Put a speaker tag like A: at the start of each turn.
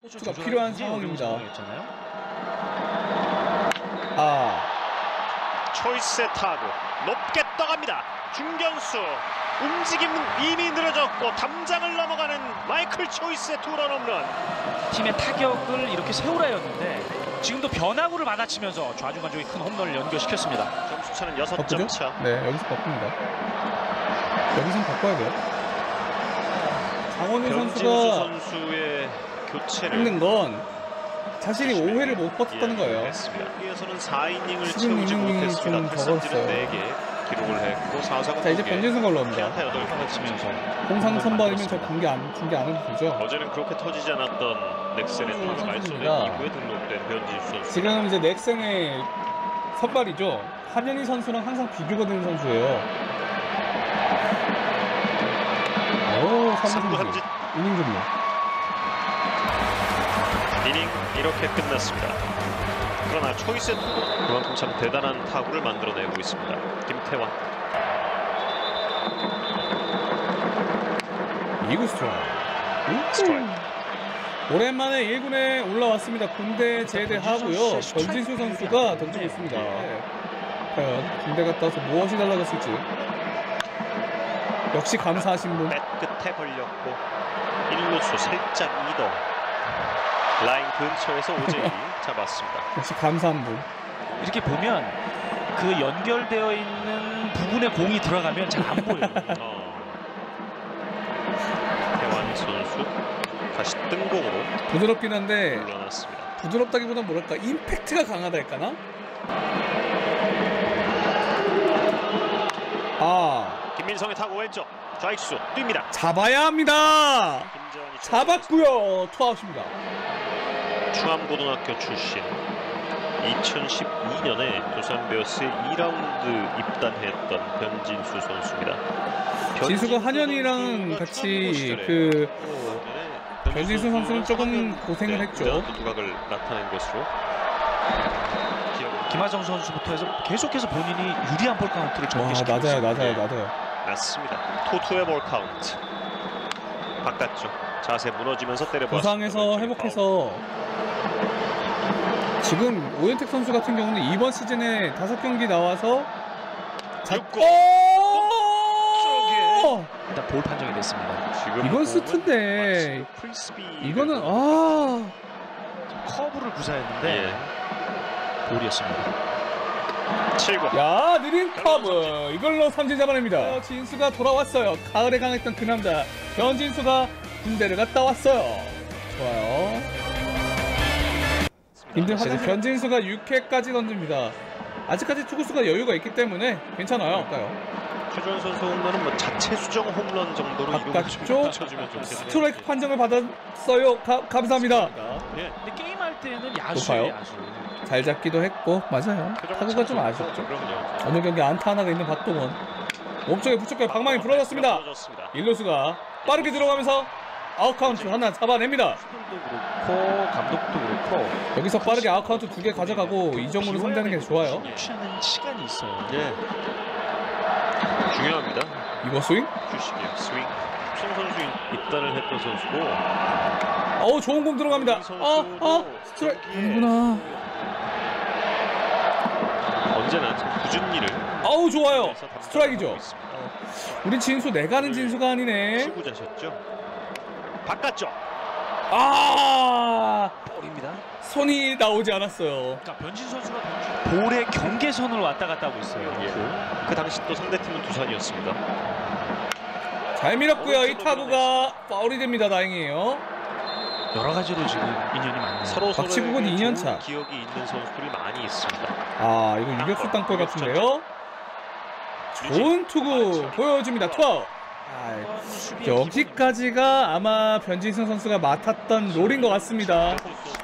A: 투가 필요한 상황입니다.
B: 초이스의 타구 높게 떠갑니다. 중견수 움직임은 이미 늘어졌고 담장을 넘어가는 마이클 초이스의 투런 홈런.
C: 팀의 타격을 이렇게 세우라였는데 지금도 변화구를 받아치면서 좌중간쪽에 큰 홈런을 연결시켰습니다.
B: 점수차는 6점 차.
A: 네, 여기서 바꿉니다. 여기선 바꿔야 돼요. 장원윤
B: 선수의 교체를
A: 힘든 건 자신이 5회를 못 버텼다는 거예요.
B: 여기에서는 4이닝을 채우지
A: 16이닝이
B: 못했습니다.
A: 좀 적었어요.
B: 4개 기록을 했고 4사구
A: 자, 이제 변진승 걸로 옵니다.
B: 피안타 8개 치면서
A: 공상 선발이면 저 중계 안 해도 되죠.
B: 어제는 그렇게 터지지 않았던 넥센의 타구 말소된 이후에 등록된 변진수 선수.
A: 지금 이제 넥센의 선발이죠. 한현희 선수랑 항상 비교가 되는 선수예요. 오, 3루 삼진. 이닝 종료.
B: 이닝 이렇게 끝났습니다. 그러나 초이스의 타구 그만큼 참 대단한 타구를 만들어내고 있습니다. 김태환.
A: 2구 스트라이크. 오랜만에 1군에 올라왔습니다. 군대 제대하고요. 변진수 선수가 던지고 있습니다. 과연 군대 갔다 와서 무엇이 달라졌을지. 역시 감사하신 분.
B: 뱃 끝에 걸렸고 1루수 살짝 이동. 라인 근처에서 오재일이 잡았습니다.
A: 역시 감사한 분.
C: 이렇게 보면 그 연결되어 있는 부분에 공이 들어가면 잘 안 보여요.
B: 태환 선수 다시 뜬공으로
A: 부드럽긴 한데
B: 물러났습니다.
A: 부드럽다기보다 뭐랄까 임팩트가 강하다 할까나?
B: 김민성의 타구 왼쪽 좌익수 뜁니다.
A: 잡아야 합니다.
B: 김재환이
A: 잡았고요. 투아웃입니다.
B: 충암고등학교 출신 2012년에 두산 베어스에 2라운드 입단했던 변진수 선수입니다.
A: 진수가 한현이랑 같이 그 변진수 선수는 조금 고생을 했죠.
B: 두각을 나타낸 것으로
C: 김하정 선수부터 해서 계속해서 본인이 유리한 볼 카운트를 전개시키고 있습니다.
A: 낮아요.
B: 맞습니다. 투투의 볼 카운트. 바깥쪽 자세 무너지면서 때려봤습니다.
A: 부상에서 회복해서 지금 오현택 선수 같은 경우는 이번 시즌에 5경기 나와서
C: 일단 볼 판정이 됐습니다.
B: 지금
A: 이건 스트인데 이거는
C: 커브를 구사했는데 볼이었습니다.
B: 7구.
A: 야, 느린 커브 이걸로 삼진 잡아냅니다. 진수가 돌아왔어요. 가을에 강했던 그 남자 변진수가 군대를 갔다 왔어요. 좋아요. 그래서 변진수가 6회까지 던집니다. 아직까지 투구수가 여유가 있기 때문에 괜찮아요.
B: 최주환 선수 홈런은 뭐 자체 수정 홈런 정도로
A: 바깥쪽 스트라이크 판정을 받았어요. 감사합니다.
C: 근데 게임할 때는 야수예요. 야수.
A: 잘 잡기도 했고 맞아요. 타구가 좀 아쉽죠. 어느 경기 안타 하나가 있는 박동원. 몸쪽에 부축해 방망이 부러졌습니다. 일루수가 빠르게 들어가면서 아웃카운트 하나 잡아냅니다.
C: 그렇고 감독도 그렇고
A: 여기서 빠르게 아웃카운트 2개 가져가고 이정우를 상대하는 게 좋아요.
C: 취하는 시간이 있어요.
B: 중요합니다.
A: 이거 스윙?
B: 주식이요. 스윙. 송 선수 입단을 했던 선수고.
A: 좋은 공 들어갑니다. 스트라이크 아니구나.
B: 언제나 꾸준 일을.
A: 좋아요. 스트라이크죠. 우리 진수 내가는 진수가 아니네.
B: 수구자셨죠. 바깥쪽.
C: 볼입니다.
A: 손이 나오지 않았어요.
C: 그러니까 변진 선수가 볼의 경계선을 왔다 갔다 하고 있어요.
B: 그 당시 또 상대팀은 두산이었습니다.
A: 잘 밀었고요. 이 타구가 파울이 됩니다. 다행이에요.
C: 여러 가지로 지금 인연이 많네요.
B: 서로
A: 박치국은 2년 차.
B: 기억이 있는 선수들이 많이 있습니다.
A: 이거 유격수 땅볼 같은데요. 좋은 투구 보여줍니다. 투아웃. 여기까지가 아마 변진승 선수가 맡았던 롤인 것 같습니다.